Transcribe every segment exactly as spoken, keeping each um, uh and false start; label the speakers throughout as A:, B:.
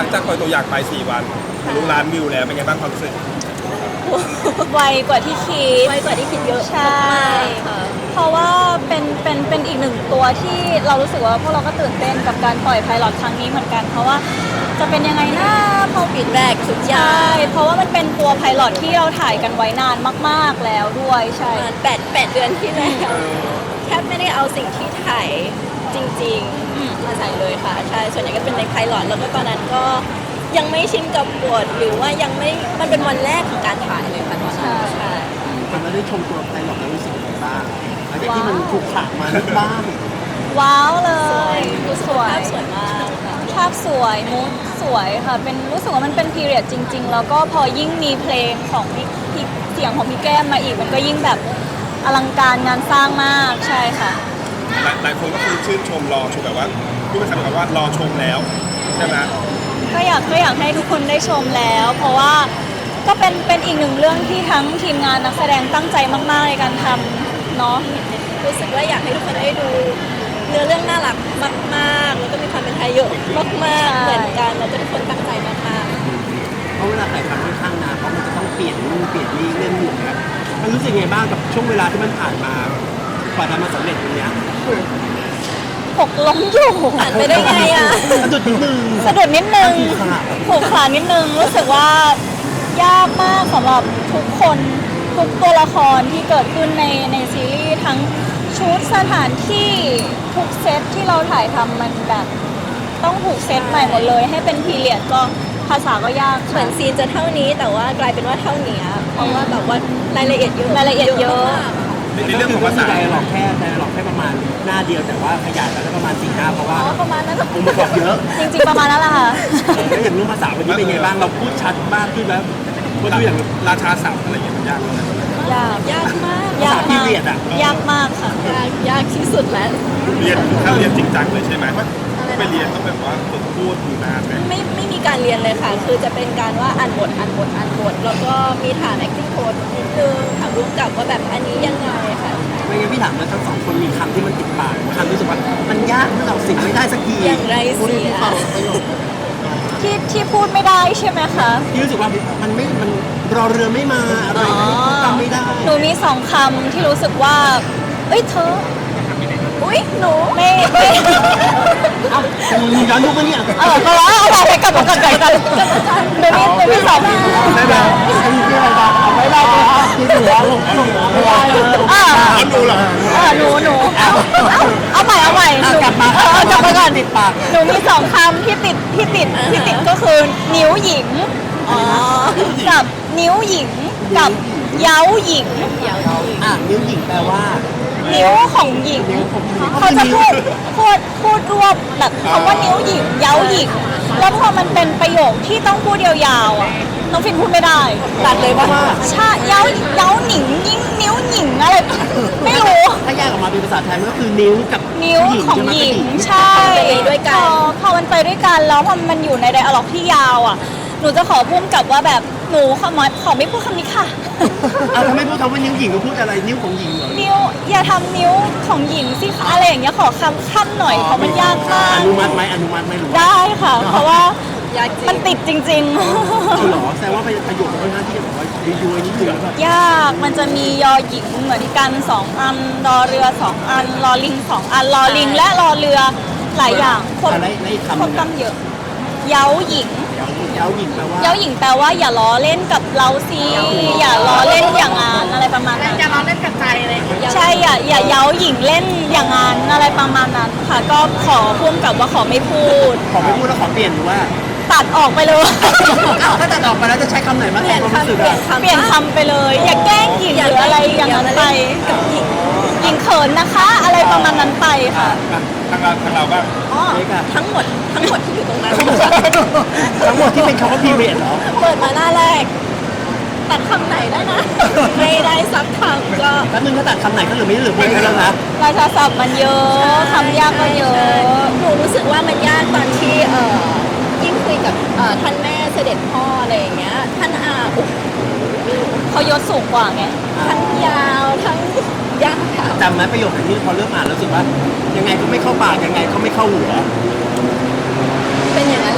A: งจากปล่อยตัวอย่างไปสี่วันรู้ล้านวิวแล้วเป็นไงบ้างความรู้สึก
B: ไวกว่าที่คิด
C: ไวกว่าที่คิดเยอะ
B: ใช่เพราะว่าเป็นเป็นเป็นอีกหนึ่งตัวที่เรารู้สึกว่าพวกเราก็ตื่นเต้นกับการปล่อยไพลอตครั้งนี้เหมือนกันเพราะว่าจะเป็นยังไงนะพอ
C: ฟีดแบ็กทุกอย่าง
B: เพราะว่ามันเป็นตัวไพลอตที่เราถ่ายกันไว้นานมากๆแล้วด้วยใช่
C: แปดแปดเดือนที่แล้วแทบไม่ได้เอาสิ่งที่ถ่ายจริงๆมาใส่เลยค่ะใช่ส่วนใหญ่ก็เป็นในไพลอตแล้วก็ตอนนั้นก็ยังไม่ชินกับบทหรือว่ายังไม่มันเป็นวันแรกของการถ่ายเลยค่ะตอนนั้นใช่
D: ตอนนั้นได้ชมตัวไพลอตแล้วรู้สึกยังไงบ้างหลังจากที่มันถูกฉากมาบ้าง
B: ว้าวเลยสวย
C: ภาพสวยมาก
B: ภาพสวยมูดสวยค่ะเป็นรู้สึกว่ามันเป็นพีเรียดจริงๆแล้วก็พอยิ่งมีเพลงของพี่เสียงของพี่แก้มมาอีกมันก็ยิ่งแบบอลังการงานสร้างมากใช่ค่ะ
A: หลายคนก็คือชื่นชมรอชมแบบว่าพูดเป็นคำแบบว่ารอชมแล้วใช่ไหม
B: ก็อยากก็อยากให้ทุกคนได้ชมแล้วเพราะว่าก็เป็นเป็นอีกหนึ่งเรื่องที่ทั้งทีมงานนักแสดงตั้งใจมากๆในการทำเนาะ
C: รู้สึกว่าอยากให้ทุกคนได้ดูเนื้อเรื่องน่ารักมากๆแล้วก็มีความเป็นไทยเยอะมากๆเหมือนกันแล้วก็ทุกคนตั้งใจมาก
D: ๆเพราะเวลาถ่ายทำค่อนข้างนานเพราะมันจะต้องเปลี่ยนนู่นเปลี่ยนนี่เล่นหมุนครับมันรู้สึกไงบ้างกับช่วงเวลาที่มันผ่านมากว่าจะมาสำเร็จตรงนี้
B: หกล้มอยู่
C: ผ่านไปได้ไงอ่ะ
D: สะดุดนิดนึง
B: สะดุดนิดนึงผูกขานิดนึงรู้สึกว่ายากมากสำหรับทุกคนทุกตัวละครที่เกิดขึ้นในในซีรีส์ทั้งชุดสถานที่ทุกเซตที่เราถ่ายทำมันแบบต้องถูกเซตใหม่หมดเลยให้เป็นพีเรียดก็ภาษาก็ยาก
C: เหมือนซีนจะเท่านี้แต่ว่ากลายเป็นว่าเท่านี้เพราะว่าแบบว่ารายละเอียดเยอะ
B: รายละเอียดเยอะ
A: ในเรื่องของภาษา
D: ไดอะล็อกแค่ไดอะล็อกแค่ประมาณหน้าเดียวแต่ว่าขยายไปแล้วประมาณสี่หน้าเพราะว่า
B: ประมาณนั้น
D: องค์ประกอบเยอะ
B: จริงๆประมาณนั้นแหละค่ะ
D: แล้วอย่างเรื่องภาษาวันนี้เป็นไงบ้างเราพูดชัดมากขึ้นแล้ว
A: พูดอย่างราชาศัพท์อะไรอย่างเงี้ยยากไหม
B: ยาก
C: ยากมาก
B: ยากมากยากมากค่ะ
C: ยากยากที่สุดแล้ว
A: เรียนถ้าเรียนจริงจังเลยใช่ไหมไปเรียนต้องแบบว่าฝึกพูดอยู่นานไหม
C: ไม่ไม่มีการเรียนเลยค่ะคือจะเป็นการว่าอ่านบทอ่านบทอ่านบทแล้วก็มีฐาน acting coach นิดนึงถามรู้กับว่าแบบอันนี้ยังไงค่ะ
D: ไม่งั้นพี่ถามว่าทั้งสองคนมีคำที่มันติดปากคำรู้สึกว่ามันยากเมื่อเราสิ่งไม่ได้สักที
C: อย่างไรเสีย
B: ที่ที่พูดไม่ได้ใช่ไหมคะ
D: ที่รู้สึกว่ามันไม่มันรอเรือไม่มาอะไรจำไม่ได้
B: หนูมีสองคำที่รู้สึกว่าเอ้ยเธออุ้ยหนูไม่ไม่
D: เอามึงย้อนยุคปะเนี่ย
B: เออก็ว่าเอาไปกลับมาก่อนกลับมาก่อนเดี๋ยวนี้เดี๋ยวนี้สอง
D: ไม่ได้ไม่ได้เอาไว้ได้เลยครับที่เหลือลงลงไม่ได้
B: อ่า
A: หนูเหรอ
B: เออหนูหนูเอาเอาใหม่เอาใหม่
D: กลับมา
B: เออกลับมาก่อน
D: ติดปาก
B: หนูมีสองคำที่ติดที่ติดที่ติดก็คือนิ้วหญิงอ๋อกับนิ้วหญิงกับเย้าหญิง
D: อ่ะนิ้วหญิงแปลว่า
B: นิ้วของหญิงเขาจะพูดพูดพูดรวบแบบคำว่านิ้วหญิงเย้าหญิงแล้วพอมันเป็นประโยคที่ต้องพูดยาวๆอ่ะน้องฟินพูดไม่ได้
D: ตัดเลยว่า
B: ใช่เย้าเย้าหนิงยิ่งนิ้วหญิงอะไรไม่รู้
D: ถ้าแยกออกมาเป็นภาษาไทยมันก็คือนิ้วกับ
B: นิ้วของหญิงใช่
C: ด้วยกัน
B: พอมันไปด้วยกันแล้วพอมันอยู่ในไดอะล็อกที่ยาวอ่ะหนูจะขอพุ่มกับว่าแบบหนูขอขอไม่พูดคำนี้ค่ะ
D: เอาทำไมพูดคำว่านิ้วหญิงก็พูดอะไรนิ้วของหญิงเหรอ
B: นิ้วอย่าทำนิ้วของหญิงสิคะอะไรอย่างเงี้ยขอคำขั้นหน่อยเพราะมันยากมาก
D: อนุมัติไหมอนุมัติไหมหรือ
B: ได้ค่ะเพราะว่ามันติดจริงๆ
D: เอาหรอแสดงว่าประโยคค่อนข้างที่จะบอกว่ายุยนิดนึง
B: ยากมันจะมียอหญิงเหมือนกันสองอันรอเรือสองอันรอลิงสองอันรอลิงและรอเรือหลายอย่าง
D: ควบ
B: ควบกำเยอะเย้าหญิง
D: เย้าหญิงแปลว่า
B: เย้าหญิงแปลว่าอย่าล้อเล่นกับเราสิอย่าล้อเล่นอย่างงานอะไรประมาณนั้น
C: อย่าล้อเล่นกับใจเลย
B: ใช่อย่าอย่าเย้าหญิงเล่นอย่างงานอะไรประมาณนั้นค่ะก็ขอพุ่มกับว่าขอไม่พูด
D: ขอไม่พูดแล้วขอเปลี่ยนหรือว่า
B: ตัดออกไปเลย
D: ถ้าตัดออกไปแล้วจะใช้คำไหนมาแทนความรู้สึกอะ
B: เปลี่ยนคำไปเลยอย่าแกล้งหญิงหรืออะไรอย่างนั้นไปหญิงเขินนะคะอะไรประมาณนั้นไปค่ะ
A: ทางเราทางเราบ้าง
C: อ๋อทั้งหมดทั้งหมดที่อยู่ตรงนั้น
D: ทั้งหมดที่เป็นคำว่าพีเรียดเหรอ
C: เปิดมาหน้าแรกตัดคำไหนได้นะไม่ได้สักคำก็
D: แล้วมึงถ้าตัดคำไหนก็เหลือไม่เหลือไม่แล้วนะ
B: ราชาศัพท์มันเยอะคำยากก็เยอะ
C: หนูรู้สึกว่ามันยากตอนที่เอ่อยิ่งคุยกับท่านแม่เสด็จพ่ออะไรอย่างเงี้ยท่านอา
B: เขายศสูงกว่าไง
C: ทั้งยาวทั้งยาก
D: จำไหมประโยคไหนที่พอเริ่มอ่านแล้วรู้สึกว่ายังไงก็ไม่เข้าปากยังไงก็ไม่เข้าหัว
C: เป็นอย่างนั้นแหละ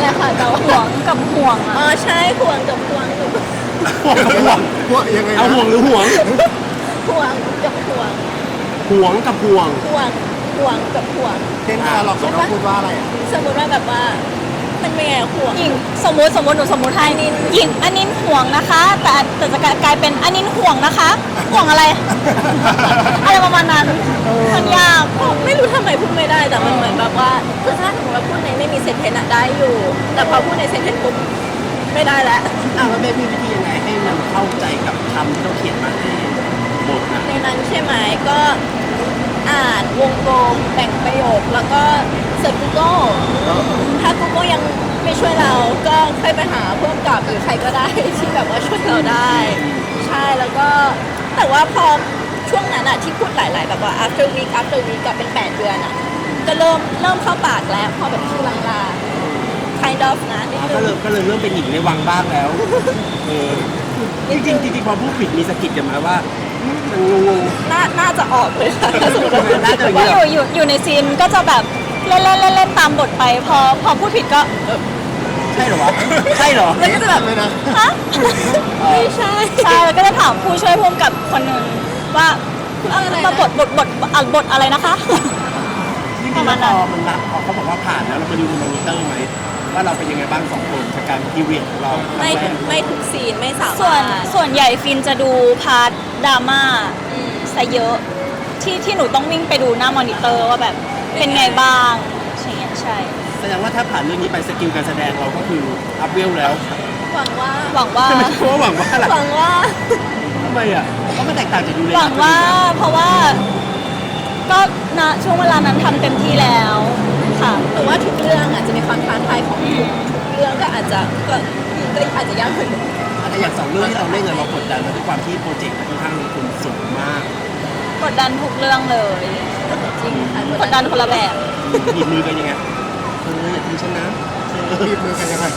C: อะค่ะแต่ว่า
B: ห่วงกับห่วง
C: อ๋อ
B: อ่ะ
C: ใช่ห่วงกับห่วงหนู
D: ห่วงกับห่วง
A: พวกยังไง
D: เอาห่วงหรือห่วง
C: ห่วงกับห่วง
D: ห่วงกับห่วง
C: ห่วงห่วงกับห่วง
A: เต้นเราเขาต้องพูดว่าอะไรอ่ะ
C: สมมติว่าแบบว่ามันเป็นไงอะห่วง
B: หญิงสมมติสมมติหนูสมมติให้นินหญิงอันนินห่วงนะคะ แต่แต่จะกลายเป็นอันนินห่วงนะคะ ห่วงอะไร อะไรประมาณนั้นมันยาก
C: ไม่รู้ทำไมพูดไม่ได้แต่มันเหมือนแบบว่าคือถ้าสมมติว่าพูดในไม่มีเซนเทนอะได้อยู่ แต่พอพูดในเซนเทนปุ๊บไม่ได้แล้ว
D: อ้าวแล้วเบสมีวิธียังไงให้มันเข้าใจกับคำที่เราเขียนมาในบทนะ
C: ในนั้นใช่ไหมก็อ่านวงกลมแบ่งประโยคแล้วก็เสิร์ช Google ถ้า Google ยังไม่ช่วยเราก็ค่อยไปหาเพิ่มกับหรือใครก็ได้ ที่แบบว่าช่วยเราได้ ใช่แล้วก็แต่ว่าพอช่วงนั้นอะที่พูดหลาย ๆ แบบว่า after week after week กับเป็นแปดเดือนอะก็เริ่มเริ่มเข้าปากแล้วพอแบบชื่อลางๆ kind of นะนิด
D: อ๋อ
C: นึ
D: ก็
C: ง
D: เลยก็เลยเริ่มเป็นหญิงในวังบ้างแล้วเออจริงๆจริงๆพอพูดผิดมีสะกิดกันมาว่าอืมมันงง
C: น่าน่าจะออกเลยค่ะถ้าสมมติว่าพูด
D: น่าจะอย่าง
B: ก็
D: นี้
B: อยู่อยู่อยู่ในซีนก็จะแบบเล่นเล่นเล่นเล่นตามบทไป พอพอพูดผิดก็เออ
D: ใช่เหรอวะใช่เหรอ
C: แล้วก็จะแบบ
A: ไม่นะ
B: ฮะ
C: ไม่ใช่
B: ใช่แล้วก็จะถามผู้ช่วยพุ่มกับคนหนึ่งว่าเอ่อมาบทบทบทอ่ะบทอะไรนะคะ
D: จริงๆแล้วพอมันรับพอเขาบอกว่าผ่านแล้วเรามาดูในมอนิเตอร์ไหมว่าเราเป็นยังไงบ้างสองคนจากการพีเรียดของเรา
C: ไม่ทุกไม่ทุกซีนไม่สามารถ
B: ส่วนส่วนใหญ่ฟินจะดูพาร์ทดราม่า
C: อืม
B: ซะเยอะที่ที่หนูต้องวิ่งไปดูหน้ามอนิเตอร์ว่าแบบเป็นไงบ้างใช่ใช่
D: แสดงว่าถ้าผ่านเรื่องนี้ไปสกิลการแสดงเราก็คืออัพเวลแล้ว
C: หวังว่า
B: หวังว่า
D: ใช่ไหมเพราะว่าหวังว่าอะไร
C: หวังว่า
D: ทำไมอ่ะเพราะมันแตกต่างจากยูเล
B: หวังว่าเพราะว่าก็ณช่วงเวลานั้นทำเต็มที่แล้วค่ะ
C: แต่ว่าทุกเรื่องอาจจะมีความท้าทายของทุกทุกเรื่องก็อาจจะก็ก็อาจจะยากเหมือนกัน
D: แต่อย่างสองเรื่องที่เราเล่นเนี่ยเรากดดันมาด้วยความที่โปรเจกต์มันค่อนข้างลงทุนสูงมาก
B: กดดันทุกเรื่องเลย
C: จริงค่ะ
B: กดดันคนละแบบ
D: หยิบมือกันยังไงเอออย่าทิ้งฉันนะ
A: บีบมือกันยังไง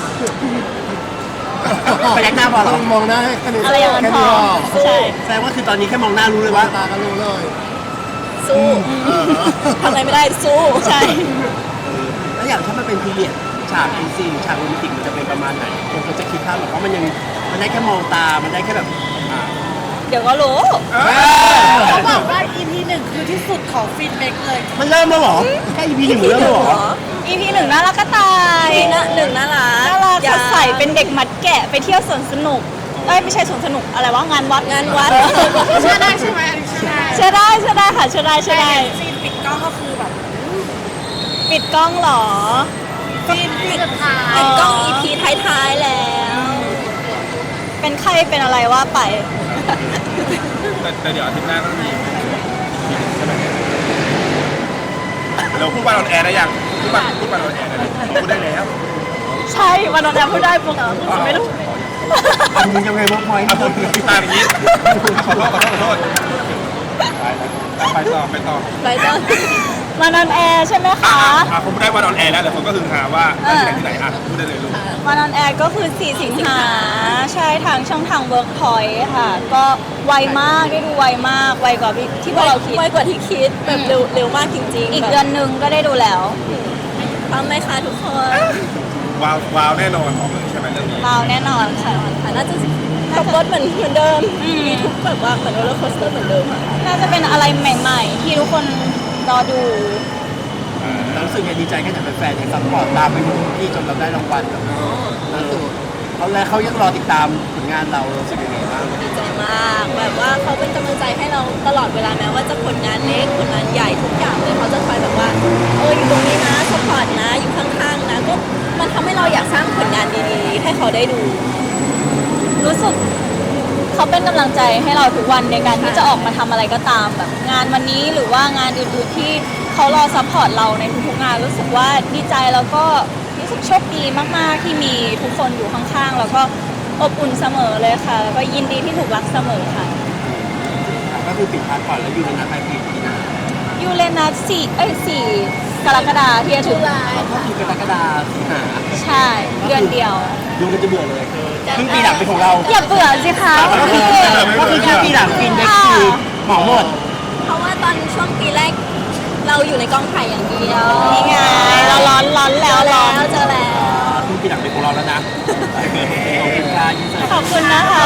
D: ไปยักหน้าพอเหรอ
A: มองหน้าให้แค่นี้
B: อะไรอย่างนั้น
A: แค่
B: พอ
A: นี้
B: ใช่
D: แสดงว่าคือตอนนี้แค่มองหน้ารู้เลย
A: ว่า
D: ว่า
A: ตาก็รู้เลย
C: สู้ทำอะไรไม่ได้สู้
B: ใช่
D: แล้วอย่างถ้ามันเป็นพีเรียดฉากเอ็นซีหรือฉากโรแมนติกมันจะเป็นประมาณไหนคนก็จะคิดภาพแบบว่ามันยังมันได้แค่มองตา มันได้แค่แบบอ่า
B: เดี๋ยวก็รู้
E: เขาบอกว่า อี พี หนึ่งคือที่สุดของฟินเมกเลย
D: มันเริ่มแล้วเหรอแค่ อี พี หนึ่งเริ่มแล้วเหรอ
B: อีพีหนึ่งน่ารักก็ตาย
C: นี่นะหนึ่งน่ารัก
B: น่ารัก
C: อย่
B: สดใสเป็นเด็กมัดแกะไปเที่ยวสวนสนุกเอ้ยไม่ใช่สวนสนุกอะไรวะงานวัด
C: งานวัด
E: เชื่อได้ใช่ไหมอันนี้เชื่อได้
B: เชื่อได้เชื่อได้ค่ะเชื่อได้เชื่อได้
E: ซีนปิดกล้องก็คือแบบ
B: ปิดกล้องเหรอ
E: ซีนปิดสุดท้าย
C: ปิดกล้อง อี พี ท้ายๆแล้ว
B: เป็นใครเป็นอะไรว่าไป
A: แต่แต่เดี๋ยวอาทิตย์หน้าก็มีใช่ไหมเราพูดว่าเราแอร์ได้ยังพูดว่าพูดว่าเราแอร์ได้แล้วพูดได้แล้ว
B: ใช่วันนั้นแอพูดได้ปุ๊บไม่รู้
D: อันนี้ยังไงว่าพอยต์
A: เอาพูดพี่ตาอย่างนี้ขอโทษขอโทษขอโทษไปต่อไปต่อ
C: ไรเดอร์
B: วันนั้นแอร์ใช่ไหม
A: อ่ะ
B: คะ
A: อ่ะผมได้วันออนแอร์แล้วเดี๋ยวผมก็คือหาว่าได้ที่ไหนที่ไหนอ่ะพูดได้เลยลูก
B: วันนั้นแอร์ก็คือสี่สิงหาใช่ทางช่องทาง Workpoint ค่ะ ก็ไวมากได้ดูไวมากไวกว่าที่พวกเราคิด
C: ไวกว่าที่คิดแบบเร็วเร็วมากจริงๆ
B: อีก
C: แบบ
B: เดือนหนึ่งก็ได้ดูแล้ว
C: พร้อมไหมคะทุกคน
A: ว้าวว้าวแน่นอนบอกเลยใช่ไหมเรื่องนี้
B: เราแน่นอนค่ะ
C: ค่ะน่าจะขับรถเหมือนเหมือนเดิม
B: อืม
C: มีทุกแบบว่าเหมือนโรลเลอร์โคสเตอร์เหมือนเดิมค่ะ
B: น่าจะเป็นอะไรใหม่ ๆ ที่ทุกคนรอดู
D: เรารู้สึกไงดีใจแค่ไหนเป็นแฟนยังซัพพอร์ตตามไปดูที่จนเราได้รางวัลแบบเออเขาแล้วเขายังรอติดตามผลงานเรารู้สึกยังไงบ้าง
C: ดีใจมากแบบว่าเขาเป็นกำลังใจให้เราตลอดเวลาแม้ว่าจะผลงานเล็กผลงานใหญ่ทุกอย่างเลยเขาจะคอยแบบว่าเอออยู่ตรงนี้นะสปอร์ตนะอยู่ข้างๆนะก็มันทำให้เราอยากสร้างผลงานดีๆ ให้เขาได้ดู
B: รู้สึกเขาเป็นกำลังใจให้เราทุกวันในการที่จะออกมาทำอะไรก็ตามแบบงานวันนี้หรือว่างานอื่นๆที่เขารอซัพพอร์ตเราในทุกๆงานรู้สึกว่าดีใจแล้วก็รู้สึกโชคดีมากๆที่มีทุกคนอยู่ข้างๆแล้วก็อบอุ่นเสมอเลยค่ะ แล้วก็ยินดีที่ถูกรักเสมอค่ะ
D: ก็คือปิดพาร์ทก่อนแล้วอยู่ในนัดปลายปีที่หน้า
B: ยูเรนัสสี่เอ้ยสี่กรกฎาคมที่จะถึง
D: ก็คือกรกฎาคมสิงหา
B: ใช่เดือนเดียว
D: ดูมันจะเบื่อเลยครึ่งปีหลังเป็นของเรา
B: อย่าเบื่อสิคะ
D: ก็คือ
B: พี่
D: ก็คือครึ่งปีหลังฟินเด็กคือเหมาหมด
C: เพราะว่าตอนช่วงปีแรกเราอยู่ในกองถ่ายอย่างเดียว
B: นี่ไงเราร้อนร้อนแล้ว
C: เจอ
B: ร้
C: แล้
B: อน
C: วเจอแล้ว
D: ครึ่งปีเราแล้วนะขอบคุณค่ะยินดี
B: ขอบคุณนะคะ